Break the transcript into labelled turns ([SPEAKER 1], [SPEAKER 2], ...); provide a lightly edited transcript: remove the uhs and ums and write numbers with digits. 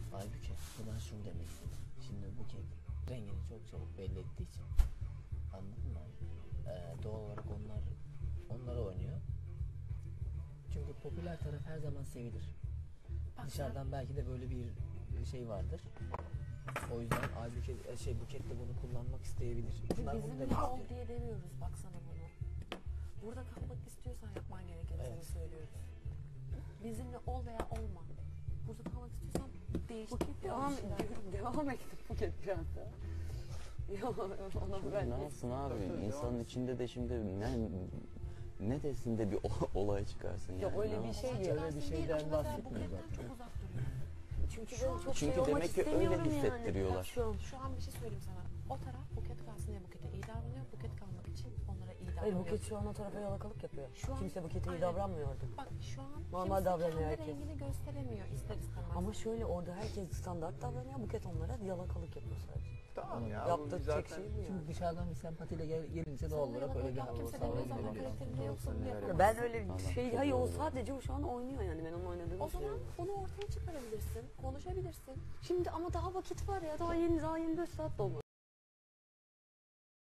[SPEAKER 1] Halbuki buradan şunu demek istedim. Şimdi Buket rengini çok çabuk belli ettiği için, anladın mı? Doğal olarak onlara oynuyor. Çünkü popüler taraf her zaman sevilir.
[SPEAKER 2] Bak
[SPEAKER 1] Dışarıdan belki de böyle bir şey vardır. O yüzden Buket de bunu kullanmak isteyebilir. Bunlar bunu
[SPEAKER 2] Bizimle
[SPEAKER 1] demek
[SPEAKER 2] ol
[SPEAKER 1] istiyor.
[SPEAKER 2] diye demiyoruz baksana bunu. Burada kalmak istiyorsan yapman gerekeni
[SPEAKER 1] Evet.
[SPEAKER 2] sana söylüyoruz. Bizimle ol veya olma. Burada kalmak istiyorsan değiş.
[SPEAKER 3] Buket devam ettim Buket biraz da. Ona ben
[SPEAKER 4] Ne yapsın abi? İnsanın içinde de şimdi ne desin de bir olay çıkarsın yani.
[SPEAKER 3] Yok öyle
[SPEAKER 4] Ne
[SPEAKER 3] bir şey
[SPEAKER 1] Öyle
[SPEAKER 3] değil.
[SPEAKER 1] bir şeyden bahsetmiyor
[SPEAKER 2] Buketten
[SPEAKER 1] zaten.
[SPEAKER 2] çok uzak duruyor.
[SPEAKER 3] Çünkü ben çok
[SPEAKER 4] Çünkü
[SPEAKER 3] şey olmak
[SPEAKER 4] demek ki öyle
[SPEAKER 3] istemiyorum
[SPEAKER 4] hissettiriyorlar.
[SPEAKER 3] Yani. Şu an.
[SPEAKER 2] Şu an bir şey söyleyeyim sana. O taraf Buket kalsın diye Buket'e iyi davranıyor. Buket kalmak için onlara iyi
[SPEAKER 3] Hayır
[SPEAKER 2] davranıyor.
[SPEAKER 3] Buket şu an o tarafa yalakalık yapıyor.
[SPEAKER 2] Şu an-
[SPEAKER 3] Kimse Buket'e iyi
[SPEAKER 2] Aynen.
[SPEAKER 3] davranmıyordu.
[SPEAKER 2] Bak şu an
[SPEAKER 3] Normal
[SPEAKER 2] kimse
[SPEAKER 3] davranıyor
[SPEAKER 2] kendi
[SPEAKER 3] herkes.
[SPEAKER 2] rengini gösteremiyor ister istemez.
[SPEAKER 3] Ama şöyle orada herkes standart davranıyor. Buket onlara yalakalık yapıyor sadece.
[SPEAKER 5] Tamam ya.
[SPEAKER 3] Yaptığı
[SPEAKER 5] bu
[SPEAKER 3] tek
[SPEAKER 5] zaten-
[SPEAKER 3] şey bu yani.
[SPEAKER 1] Çünkü dışarıdan bir sempatiyle gelince doğal olarak öyle bir hava
[SPEAKER 2] kimse demiyor zaten
[SPEAKER 1] sağlayabilir.
[SPEAKER 2] karakterinde yoksa bunu yapamaz.
[SPEAKER 3] Ben öyle bir
[SPEAKER 4] Allah
[SPEAKER 3] şey,
[SPEAKER 4] çok
[SPEAKER 3] hayır o
[SPEAKER 4] doğru.
[SPEAKER 3] sadece o şu an oynuyor yani ben onun oynadığını
[SPEAKER 2] O zaman
[SPEAKER 3] düşünüyorum.
[SPEAKER 2] bunu ortaya çıkarabilirsin, konuşabilirsin.
[SPEAKER 3] Şimdi ama daha vakit var ya daha 24 saat dolmadı.